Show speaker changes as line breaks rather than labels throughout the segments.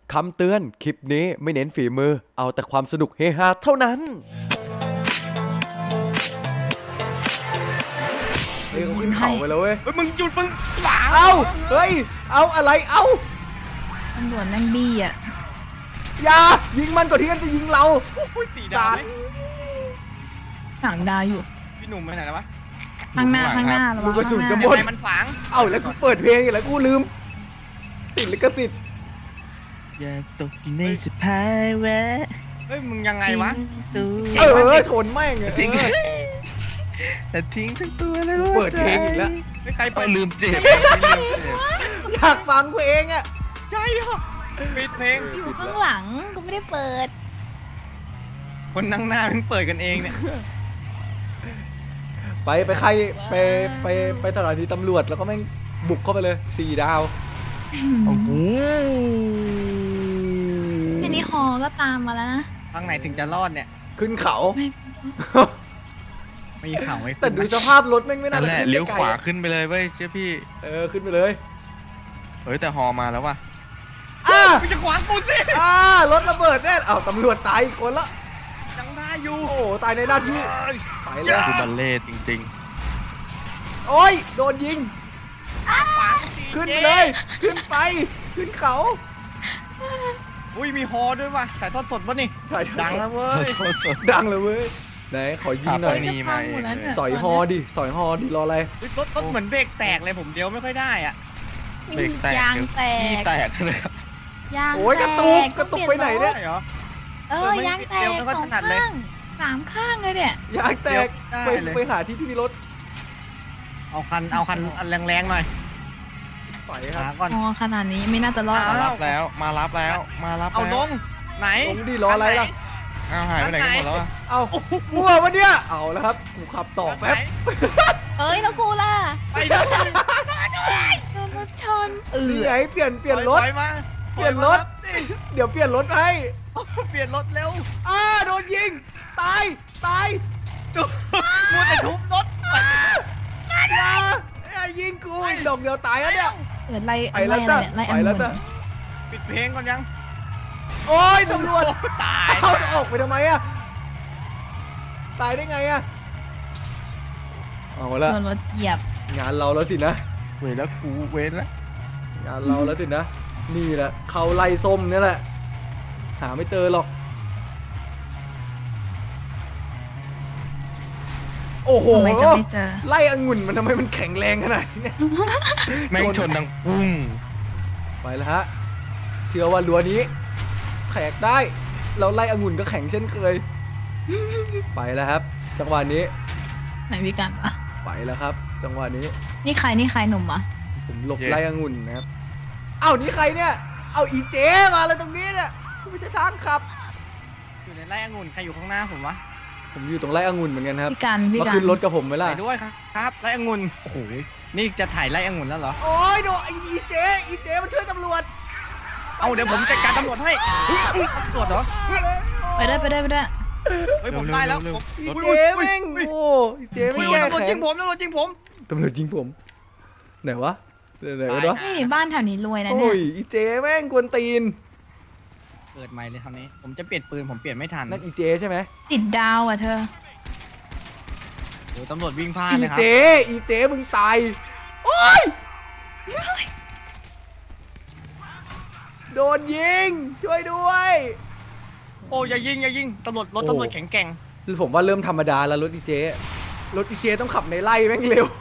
คำเตือนคลิปนี้ไม่เน้นฝีมือเอาแต่ความสนุกเฮฮาเท่านั้นเฮ้ยเขาขึ้นเขาไปแล้วเว้ย
มึงจุดมึงขวาง
เฮ้ยเอาอะไร
ตำรวจนั่งบี้อ่ะ
อย่ายิงมันก่อนที่มันจะยิงเรา
สีดาว
ฝังดาวอยู่
พี่หนุ่มไปไหนแล้ววะ
ข้างหน้าระวัง
ลูกกระสุนจะหมด
มันฝัง
แล้วกูเปิดเพลงอีกแล้วกูลืมติดลิขสิทธิ์
อยากตกอยู่ในสภาวะ
เฮ้ยมึงยังไงวะ
ชนแม่ง
ทิ้งแต่ทิ้งทั้งตัวเลย
เปิดเพลงอีกแล้ว
ใครไป
ลืมเจ็บ
อยากฟังเพลงอ่ะ
ใช่เหรอปิดเพลง
อยู่ข้างหลังกูไม่ได้เปิด
คนนั่งหน้าเพิ่งเปิดกันเองเนี่ย
ไปใครไปสถานีตำรวจแล้วก็แม่งบุกเข้าไปเลย4 ดาว
โอ้โห
ทีนี้ฮอก็ตามมาแล้วนะ
ทางไหนถึงจะรอดเนี่ย
ขึ้นเขา
ไม่เขาไม่
แต่ดูสภาพรถแม่งไม่น่าจะ
เลี้ยวขวาขึ้นไปเลยเว้ยเชื่อพี่
ขึ้นไปเลย
เฮ้ยแต่ฮอมาแล้วว่ะ
มึงจะขวางกูสิ
รถระเบิดแน่ตำรวจตายอีกคนละ
ยังได้อยู่
โอ้ตายในหน้าที่ไปเลย
คือบัลเล่จริง
ๆโอ้ยโดนยิงขึ้นไปเลยขึ้นเขา
อุ้ยมีฮอด้วยว่ะถ่ายทอดสดวะนี่ดังแล้วเว้ย
ดังเลยเว้ยไหนขอยิงหน่อย
นี่มา
สอยฮอดิรออะไร
รถเหมือนเบรกแตกเลยผมเดียวไม่ค่อยได้อ่ะ
เบรกแตก
ยางแตก
เลยครับ
ยาง
โอ้ยกระตุกไปไหนเนี่ย
ยางแตก2 ข้าง3 ข้างเลยเนี่ย
ยางแตกไปหาที่มีรถ
เอาคันแรงๆหน่อย
ไปครับ
ก่อนขนาดนี้ไม่น่าจะรอด
มารับแล้ว
เอาลงไหน
ลงดิรออะไรล่ะ
หายไปไหนกันหมดแล้ว
มั่ววะเนี่ยเอาแล้วครับกูขับต่อแป๊บ
แล้วกูล่ะ
ไปด้วย
โดนรถชน
นี่ไงเปลี่ยนรถเปลี่ยนรถเดี๋ยวเปลี่ยนรถให้
เปลี่ยนรถเร็ว
โดนยิงตาย
กูจะทุบรถ
ยิงกูอีกดอกเดียวตายแล้วเนี่ย
ไปแล้วจ้ะ
ปิดเพลงก่อนยัง
โอ้ยตำรวจ
ตาย
เอาออกไปทำไมอะตายได้ไงอะเอาละ
รถเหยียบ
งานเราแล้วสินะ
เว้ยแล้วกูเว้นแล้ว
งานเราแล้วสินะนี่แหละเขาไล่ส้มนี่แหละหาไม่เจอหรอกโอ้โหไล่องุ่นมันทำไมมันแข็งแรงขนาดนี้เนี่ย
แม่งชนดังปุ้ง
ไปแล้วฮะเชื่อว่ารั้วนี้แขกได้เราไล่องุ่นก็แข็งเช่นเคยไปแล้วครับจังหวะนี้
ไหนพี่กัน
ไปแล้วครับจังหวะนี้
นี่ใครหนุ่มอ่ะ
ผมหลบไล่องุ่นนะครับนี่ใครเนี่ยอีเจมาเลยตรงนี้เนี่ยไม่ใช่ทางขับ
อยู่ในไร่องุ่นใครอยู่ข้างหน้าผมวะ
ผมอยู่ตรงไร่องุ่นเหมือนกันครับ
พี่กัน
มาขึ้นรถกับผมไหมล่ะ
ไปด้วยครับไร่องุ่นโอ้โหนี่จะถ่ายไร่องุ่นแล้วเหรอ
โอ้ยโดนอีเจมันช่วยตำรวจ
เดี๋ยวผมจัดการตำรวจให้ตำรวจเหรอ
ไปได้
เฮ้ยผมได้แล้ว
อีเจแม่งอีเจไม่แก้แค้น
ตำรวจยิงผม
ไหนวะ
นี่บ้านแถวนี้รวยนะเนี่ย
โอ้ยอีเจแม่งกวนตีน
เปิดไมค์เลยคราวนี้ผมจะเปลี่ยนปืนผมเปลี่ยนไม่ทัน
นั่นอีเจใช่ไหม
ติดดาวอ่ะเธอ
โอ้ตำรวจวิ่งพลาดนะครับ
อีเจมึงตายโอ้ยโดนยิงช่วยด้วย
โอ้อย่ายิงตำรวจแข็งแกร่ง
ผมว่าเริ่มธรรมดาแล้วรถอีเจต้องขับในไร่แม่งเร็ว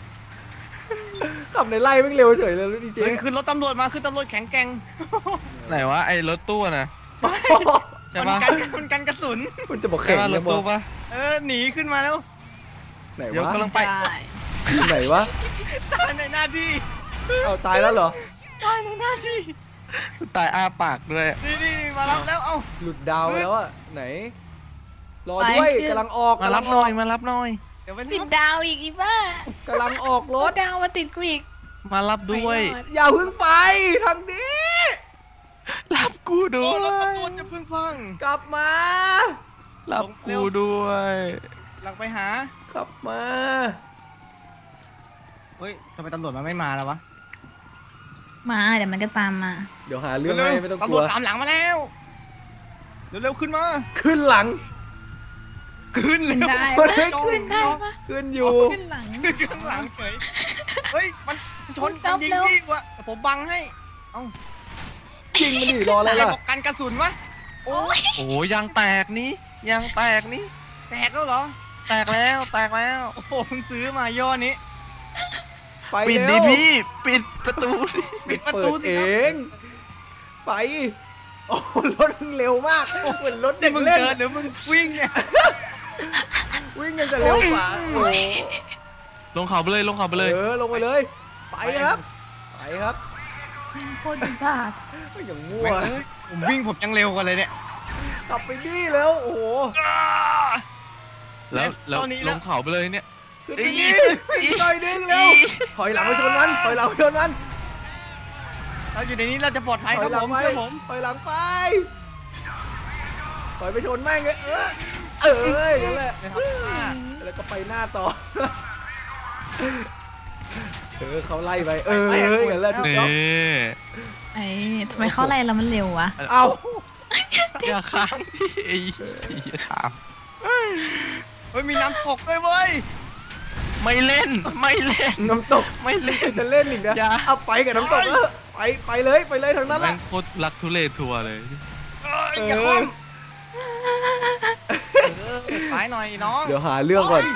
ขับในไร่แม่งเร็วเฉยเลยรถอีเจ
คือรถตำรวจมาคือตำรวจแข็งแกร่ง
ไหนวะไอ้รถตู้นะ
มันกันกระสุน
มันจะบอกแข็ง
รถตู้ปะ
หนีขึ้นมาแล้ว
ไหนวะ
กำลังไป
ไหนวะ
ตายในหน้าที่
ตายแล้วเหรอ
ตายในหน้าที่
ตายอ้าปากด้วย
นี่มารับแล้ว
หลุดดาวไปแล้วอะไหนรอด้วยกำลังออก
มารับหน่อย
ติดดาวอีกบ้าก
ำลังออกรถ
ดาวมาติดกูอีก
มารับด้วย
อย่าพึ่งไปทางนี้
รับกูด้วย
รถตำรวจจะพึ่งพัง
กลับมา
รับกูด้วย
หลังไปหา
ขับมา
เฮ้ยทำไมตำรวจมันไม่มาแล้ววะ
มาเดี๋ยวมันก็ตามมา
เดี๋ยวหาเรื่องให้ไม่ต้องก
ตำร
ลั
ว
ว
จตามหลังมาแล้วเร็วๆขึ้นมา
ขึ้นหลัง
ขึ้น
ขึ้น
เร็ว
ได้
มัน
ปะ
ไม่
ขึ้นได้ปะ
ขึ้นอยู่
ขึ้นหลัง
ขึ้นข้างหลังเฉยเฮ้ยมันชน
จั
กับ นยิง
เร็ว
พี่วะแต่ผมบังให้เอ้า
ยิงมันดิรออะไร
ใคร
ล่ะ
บอกกันกระสุนวะโอ้ย
โอ้ยยางแตกนี่ยางแตกนี่
แตกแล้วเหรอ
แตกแล้วแตกแล้ว
โอ้โหเพิ่งซื้อมาย่อนี้
ไป
ปิด
เร็
ดิ
ว
พี่ปิดประตูดิ
ปิดประ
เปิ
ตู
ด
สิ
เอ
ครับ
ง ไป โอ้รถมันเร็วมากเหมือนรถเด็
นี่
ก
มึง
เล่น
เดินหรือมึงวิ่งเนี่ย
วิ่งยังจะเร็วกว่าโอ้โห
ลงเขาไปเลยลงเขาไปเลย
ลงไปเลย ไปครับ ไปครับ
โคตรดีบาด
ไม่อย่างมั่ว
แม่งเอ้ยผมวิ่งผมยังเร็วกว่าเลยเนี่ย
ขับไปดิแล้วโอ้โห
แล้ว
ตอนนี้
ล
แล้ว
งเขาไปเลยเนี่ย
ขึ้นไปดิอีกหน่อยนึงเร็วถอยหลังไปชนมันถอยหลังไปชนมัน
เราอยู่ในนี้เราจะปลอดภัย
ถ
ค
อ
รั
ย
บ
หลั
ผ
ง
ม
ไป
เชื่อผม
ถอยหลังไปถอยไปชนแม่งเลยนั่นแหละ
นะครับอ่า
แล้วก็ไปหน้าต่อเขาไล่ไปอย่างนั้นแหละถูก
นี่
ต้อง
ไอ้ทำไมเขาไล่เรามันเร็ววะ
เอา
อย่าค้างพี่ไอ้อย่าค้าง
เฮ้ยมีน้ำตกด้วยเว้ย
ไม่เล่นไม่เล่น
น้ำตก
ไม่เล่น
จะเล่นอีกนะ
อย่า
เอาไปกับน้ำตกไปเลยทางนั้นแห
แม่
ละ
งโคตรรักทุเรศทัวร์เลย
อย่าคว่ำสายหน่อยน้อง
เดี๋ยวหาเรื่องก่อน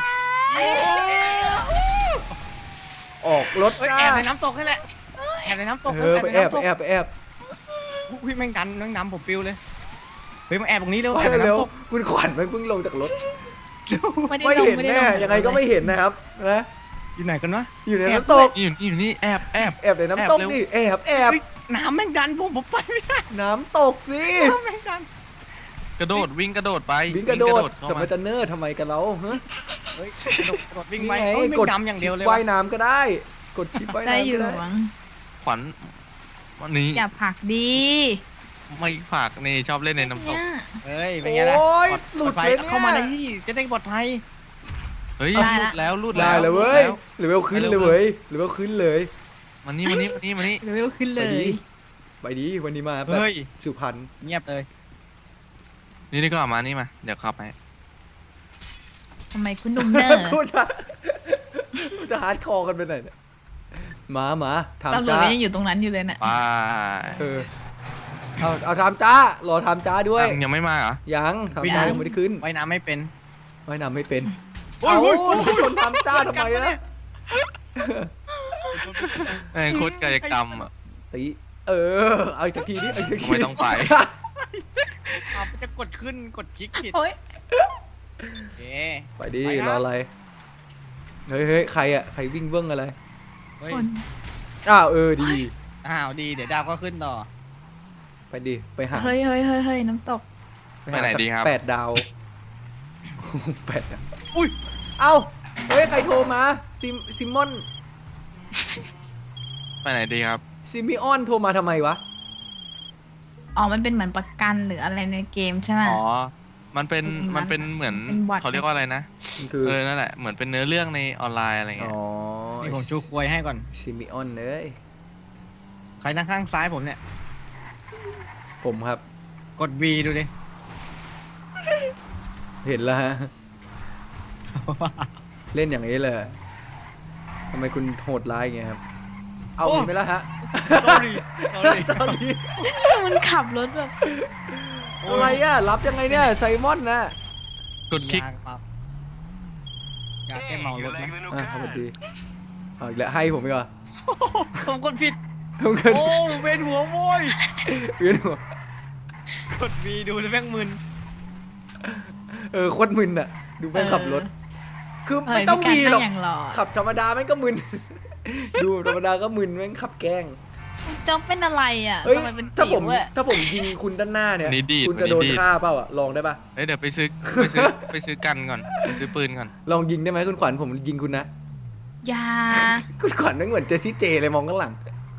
ออกรถ
เฮ้ย
หน้า
แอบในน้ำตกนี่แหละแอบในน้ำตก
ไปแอบ
อุ้ยแม่งดันแม่งนำผมปิวเลยเฮ้ยมาแอบตรงนี้เร็ว
ไป
แอบใน
เร็ว
น้ำตก
คุณขวัญมันเพิ่งลงจากรถ
ไม่ได้
ไม่
ลง
เห็น
ไม่ได้
แน่
ลง
ยังไงก็ไม่เห็นนะครับนะ
อยู่ไหนกันวะ
อยู่ในน้ำตก
นี่อยู่นี่แอบแอบ
แอบในน้ำตก
แอบเร็ว
นี่แอบ
เฮ้ยน้ำแม่งดันผมไปไม่ได้
น้ำตกสิ
น้ำแม่งดัน
กระโดดวิ่งกระโดดไป
วิ่งกระโดด
เข้า
แต่
มา
มันจะเนิร์ดทำไมกันเราฮะ
เฮ้ยกระโดดวิ่ง
นี่
ไป
ไง
เฮ้ยไม่
กด
ดำอย่างเดียวเลย
ว่ายน้ำก็ได้ กดชิปว่าย
ได้
น้ำ
อยู่
ก็ได้
มั้ง
ขวัญวันนี้
อย่าผลักดี
ไม่ฝากนี่ชอบเล่นในน้ำตก
เนี่ย
เฮ้ยเป็นไงล่ะ
โอ้ย
ป
หลุด
ภั
เลย ยเนี่ย
เข้ามาในที่จะได้ปลอดภัย
เฮ้ย
ได้
รู
ละ
ดแล้วรูด
ได้
แล้ว
เลยเว้ย
รูด
หรือเวลขึ้นเลยเว้ยหรือเวลขึ้นเลย
มานี่มานี่มานี่มานี่
เลเวลขึ้นเล
ไปดี
ย
ไปดีวันนี้มาแบบ
เฮ้ย
สุพรรณ
เงียบเลย
นี่นี่ก็มานี่มาเดี๋ยวขับไป
ทำไมคุณหนุ่มเนอร์
คุณจะฮาร์ดคอร์กันไปไหนเนี่ยมาถาม
ตำรวจ
จ้า
ยังอยู่ตรงนั้นอยู่เลยน่ะ
ไป
เอาถามจ้ารอถามจ้าด้วย
ยังไม่มาเหรอ
ยังถามจ้ายังไม่ได้ขึ้น
ว่ายน้ำไม่เป็น
ว่ายน้ำไม่เป็น
โอ้
เอา
ยโอ้ยโอ้ย
ชนถามจ้าทำไมนะ
แม่งโคตรกายกรรมอ่ะ
ตีเอาอีกสักทีดิเอาอีกสักที
ไม่ต้องไป
เอาจะกดขึ้นกดคลิกผิด
โอ้ย
โอเค
ไปดิ
ไปนะ
รออะไรเฮ้ยใครอะใครวิ่งเบิ้งอะไร
เฮ้ย
คน
อ้าวดี
อ้าวดีเดี๋ยวดาวก็ขึ้นต่อ
ไปดิไปหา
เฮ้ยน้ำตก
ไปไหนดีครับ
8 ดาว 8 ดาว
อุ้ย
เอ้าเฮ้ยใครโทรมาซิมอน
ไปไหนดีครับ
ซิมิออนโทรมาทำไมวะ
อ๋อมันเป็นเหมือนประกันหรืออะไรในเกมใช่ไหม
อ๋อมันเป็นเหมือน
เป็นบอท
เขาเรียกว่าอะไรนะ
มันคือ
นั่นแหละเหมือนเป็นเนื้อเรื่องในออนไลน์อะไร
อ๋
เงี้ย
อ
นี่ผมชูควยให้ก่อน
ซิมิออนเลย
ใครนั่งข้างซ้ายผมเนี่ย
ผมครับ
กด V ดูดิ
เห็นแล้วฮะ เล่นอย่างนี้เลยทำไมคุณโหดร้ายอย่างเงี้ยครับ เอา
โอ้
เห็นไหมล่ะฮะ
sorry sorry
ตอนนี้
มันขับรถแบบ
อะไรอะรับยังไงเนี่ยไซมอนนะ
กดคลิก
ยางครับอยากแก้เมารถไหม
สวัสดีเอาอีกแล้วให้ผมอีกเหรอ
ผมกดผิด
ผมเกิน
โอ้เวียนหัวโว้ย
เวียนหัว
กด V ดูแล้วแม่งมึน
โคตรมึนอะดูแม่งขับรถ คือ
เออ
ไม่ต้องมีหรอก
พี่การนั่งอย่างหล่อ
ขับธรรมดาแม่งก็มึน ดูธรรมดาก็มึนแม่งขับแกล้ง
จ๊อบเป็นอะไรอ่ะ
เฮ้ย
ทำไมเป็น
ถ้าผม
จิ๋วอะ
ถ้าผมยิงคุณด้านหน้าเนี่ย
นี่ดีด
คุณจะโดน
นี่ดีด
ฆ่าเปล่าอะลองได้ปะ
เฮ้ยเดี๋ยวไปซื้อไปซื้อกันก่อนไปซื้อปืนก่อน
ลองยิงได้ไหมคุณขวัญผมยิงคุณนะ
อยา
คุณขวัญไม่เหมือนเจสซี่เจเลยมองข้างหลัง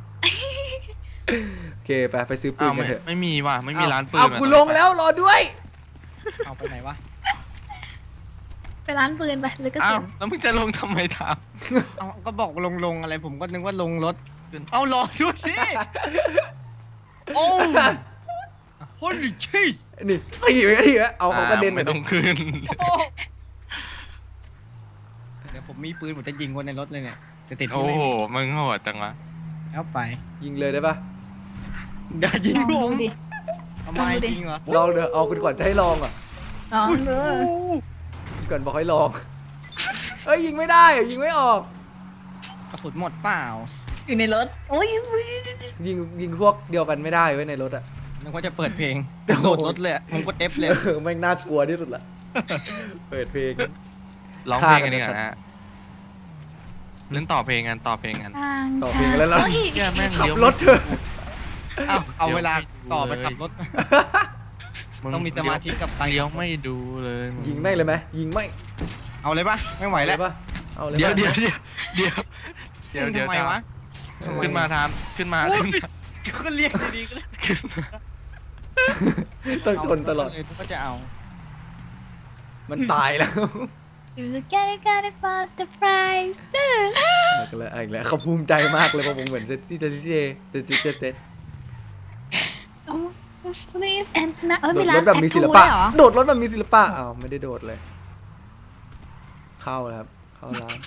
โอเคไปซื้อปื
อ้าน ว
กันเถอะ
ไม่มีว่ะไม่มีร้านปืน
เอา
ว่ะ
กูลงแล้วรอด้วย
เอาไปไหนวะ
ไปร้านปืนไปหรือกระ
อ้า
สุ
วน แล้วมึงจะลงทำไมถาม
เอาก็บอกลงอะไรผมก็นึกว่าลงรถเอารอด้วยสิโอ้โหนี่ชีส
นี่ตีไว้เอาเขากระเด็น
ไม่ต้องขึ้น
เดี๋ยวผมมีปืนผมจะยิงคนในรถเลยเนี่ยจะติด
โอ้โหมึงโหดจังวะ
เอาไป
ยิงเลยได้ปะ
อย่ายิง
ลอง
ผ
ดู
ม
ดิ
ทำไม
ลองดูดิ
จริงเหรอ
ลองเดี๋ยวเอาคุณก่อนจะให้ลองอ่ะ
ลองดู
ก่อนบอกให้ลองเอ้ยยิงไม่ได้ยิงไม่ออก
กระสุนหมดเปล่า
อยู่ในรถโอ้ย
ยิงพวกเดียวกันไม่ได้ไว้ในรถอ่ะ
นึกว่าจะเปิดเพลงโดดรถเลยผมกด F เลย
แม่งน่ากลัวที่สุดละเปิดเพลง
ร้องเพลงกันดีกว่านะฮะเล่นต่อเพลงกันต่อเพลงกัน
ต่อเพลงแล้วเรา
โอ้ย
แย่แม่ง
ขับ
เลี้ยว
รถเถอะ
เอาเวลาต่อไปขับรถ ต้องมีสมาธิกับตัง
เลี้ยวไม่ดูเลย
ยิงไม่เลยไหมยิงไม่
เอาเลยปะไม่ไหวแล้ว
ปะเอาเลย
เดี๋ยว
ปะ
เดี๋ยวเดี๋ยว
ทำไมวะ
ขึ้นมาทามขึ้นมา
โอ้
ขึ้น
ย
มา
ก็เรียกดีๆก็
ขึ้นมา
ต้องชนตลอด
ก็จะเอา
มันตายแล้ว
อยู่แค่ได้ปาแต่ไฟตื้อ
อีกแล้วเขาภูมิใจมากเลยเพราะผมเหมือนเซตที่เจ
โอ้ sleep and นะ
โด
มี
ด
ร้าร น
ถแบบมีศิล
แท
ปะ
ทูด้วยเหรอ
โดดรถแบบมีศิลปะอ้าวไม่ได้โดดเลย เข้าแล้วครับเข้าร้าน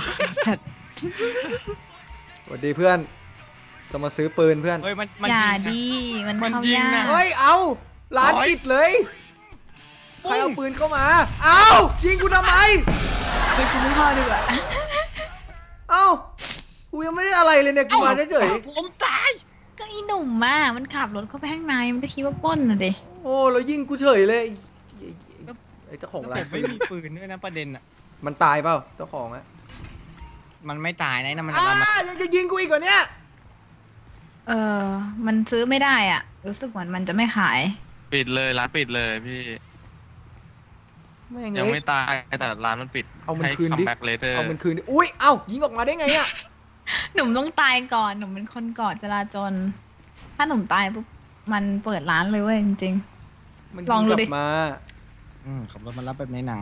สวัสดีเพื่อนจะมาซื้อปืนเพื่อน
เฮ้ยมัน
อย่า
ยิงนะ
ดีมัน
มัน
เข้า
ยิง
ยา
นะ
ก
เฮ้ยเอาร้านปิดเลยใครเอาปืนเข้ามาเอายิงกูทำไม
ไปกินข้าวดีกว่า
เอ้ากูยังไม่ได้อะไรเลยเนี่ยกูมาเฉย
ผมตาย
ก็อีหนุ่มอ่ะมันขับรถเข้าไปข้างในมันก็คิดว่าปล้นน่ะดิ
ๆโอ้แล้วยิงกูเฉยเลยไอ้เจ้าของร้า
ผ
น
มไม่มีปืนด้วยนะประเด็นอ่ะ
มันตายเปล่าเจ้าของอะ
มันไม่ตายนะมัน
ยังจะยิงกูอีกเหรอเนี่ย
เออมันซื้อไม่ได้อ่ะรู้สึกเหมือนมันจะไม่ขาย
ปิดเลยร้านปิดเลยพี่
แม่ง
ยัง
เอ้
ไม่
ย
ตายแต่ร้านมันปิด
เอามัน
ให้
คืนดิ
คัมแบ็กเลเตอร์
เอามันคืนดิอุ้ยเอ้ายิงออกมาได้ไงอะ
หนุ่มต้องตายก่อนหนุ่มเป็นคนก่อจราจรถ้าหนุ่มตายปุ๊บมันเปิดร้านเลยเว้ยจริง
มัน
ลองดู
ยิก
ดิ
ลับมา
ขับรถมารับแบบในหนัง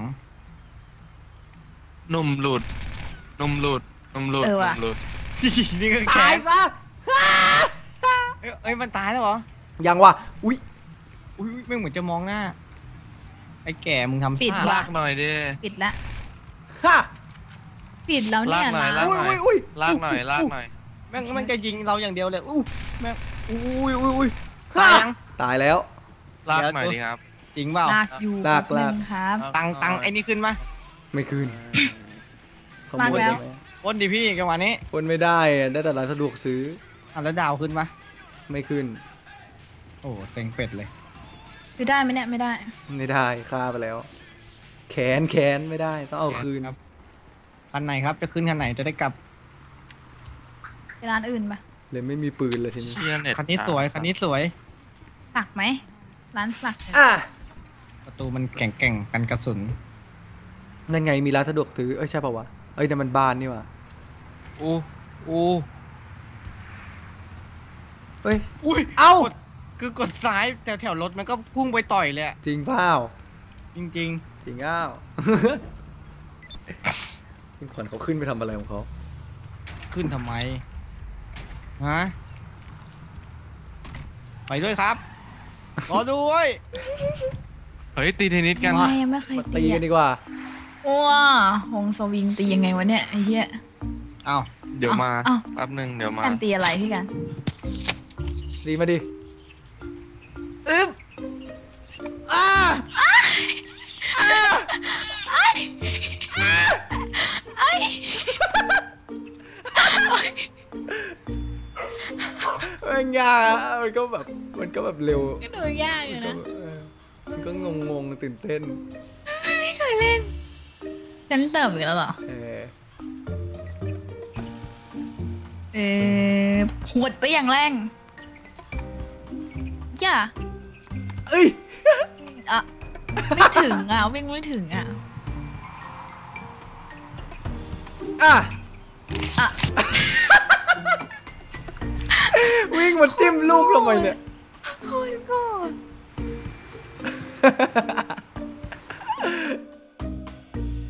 นุ่มหลุดนุ่มหลุดนุ่มหลุด
เออว่ะ
นุ่มหลุด
นี่ก็
ตา
แข็
ย
ง
ซะ
เอ้ยมันตายแล้วเหรอ
ยังวะอุ้ย
อุ้ยไม่เหมือนจะมองหน้าไอ้แก่มึงทำ
ปิด
ท่า
ว่ะ
ลากหน่อยดิ
ๆปิดละ
ฮะ
ปิดแล้วเนี่ย
ลากหน่อย
ร้าน
อุ้ย
ลากหน่อยลากหน่อย
แม่งมันจะยิงเราอย่างเดียวเลยแม่งอุ้ย
ฮะ
ตายยัง
ตายแล้ว
ลากหน่อยดิครับ
จริงเปล่า
ลากอยู่
ลาก
แป๊บนึงครับ
ตังไอ้นี่ขึ้นมา
ไม่คืนขโม
ลาก
ย
แล้ว
ได้ไหม
ปล้นดิพี่จังหวะนี้
คนไม่ได้อะได้แต่ร้านสะดวกซื้อ
แล้วดาวขึ้นมา
ไม่ขึ้น
โอ้เซ็งเป็ดเลย
คือได้ไหมเนี่ยไม่ได้
ไม่ได้ฆ่าไปแล้ว แขนไม่ได้ต้องเอาคืน
ครับคันไหนครับจะขึ้นคันไหนจะได้กลับ
ไปร้านอื่นปะ
เลยไม่มีปืนเลยทีนี้
เชียร์เน็ต
คันนี้สวยคันนี้สวย
สักไหมร้านสักเนี่ย
อ่ะ
ประตูมันแก่งกันกระสุน
นั่นไงมีร้านสะดวกซื้อเอ้ยใช่ป่าวะเอ้ยแต่มันบานนี่ว่ะ
อู้อู้
เฮ้ย
อุ้ย
เอ้า
คือกดซ้ายแถวรถมันก็พุ่งไปต่อยเลยอะ
จริงเปล่า
จริง
จริงอ้าว คุณขวัญเขาขึ้นไปทำอะไรของเขา
ๆ ขึ้นทำไมฮะไปด้วยครับรอด้วย
เฮ้ยตีเทนนิสกัน
ไม่ยังไม่เคย
มา
ตี
ตีกันดีกว่า
ว้าหงสวิงตียังไงวะเนี่ยไอ้เหี้ย
เอ้า
เดี๋ยวมา
เอ้า
แป๊บหนึงเดี๋ยวมา
การตีอะไรพี่กัน
ดีมาดิ
อึ๊บ
อ้า
ไอ้
มันยากอะมันก็แบบเร็ว
ก็ดูยากอยู่นะ
มันก็งงตื่นเต้น
ไม่เคยเล่นฉันเติมอีกแล้วเหรอ
เออ
หวดไปอย่างแรงอย่า
เอ้ย
อ่ะไม่ถึงอ่ะวิ่งไม่ถึงอ่ะ
อ่ะ
อ่ะ
วิ่งมาจิ้มลูกทำไมเนี่ย
โคตรโกรธ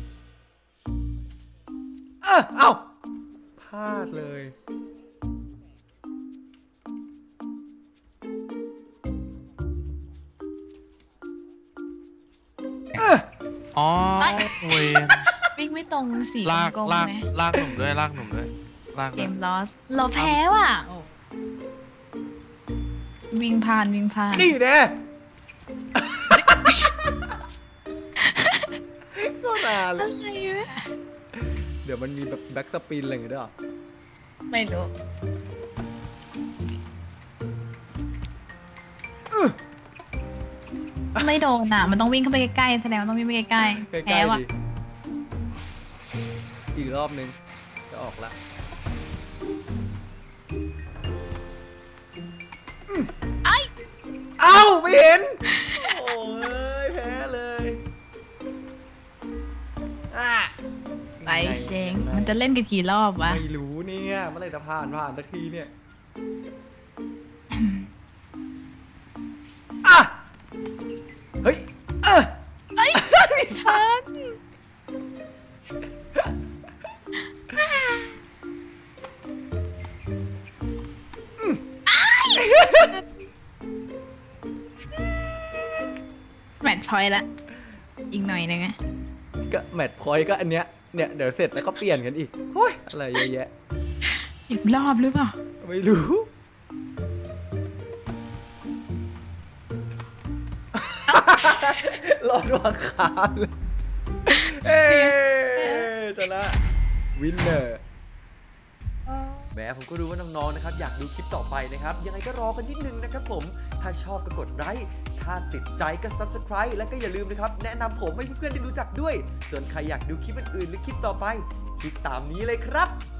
เอ้าพลาดเลย
อ๋อ
เอ้ย
เวยน
วิ่งไม่ตรงสี
ลาก
กลม
ลาก
ๆไง
ลากหนุ่มด้วยลากหนุ่มด้วยลาก
เก
ด้วย
มลอสเราแพ้ว่ะโอ้วิ่งผ่าน
นี่แน่ก็นานเล
อะ
ย
ไรวะ
เดี๋ยวมันมีแบบแบ็กสปินอะไรอย่างเงี้ยด้วยเหรอ
ไม่รู้ ไม่โดนอ่ะ มันต้องวิ่งเข้าไปใกล้ๆแสดงว่าต้องวิ่งไปใกล้
ใก
ๆแพ้
ล้ๆ
ว่ะ
ดิอีกรอบนึงจะออกละเอ้าไม่เห็น โอ้ยแพ้เลยอ่ะ
ไปเชงมันจะเล่นกันกี่รอบวะ
ไม่รู้เนี่ยเมื่อไหรจะผ่านสักทีเนี่ยอ่ะเฮ้ย
เอ้ยทันแมทช์พอยต์ละ อีกหน่อยนึงอะ
ก็แมตช์พอยต์ก็อันเนี้ยเนี่ยเดี๋ยวเสร็จแล้วก็เปลี่ยนกันอีกโอ้ยอะไรเยอะแยะ
อีกรอบหรือเปล่า
ไม่รู้ รอดวางขาเลยเอ๊ชนะวินเนอร์แม้ผมก็รู้ว่าน้องๆนะครับอยากดูคลิปต่อไปนะครับยังไงก็รอกันนิดนึงนะครับผมถ้าชอบก็กดไลค์ถ้าติดใจก็ Subscribe แล้วก็อย่าลืมนะครับแนะนำผมให้เพื่อนๆได้รู้จักด้วยส่วนใครอยากดูคลิปอื่นๆหรือคลิปต่อไปคลิกตามนี้เลยครับ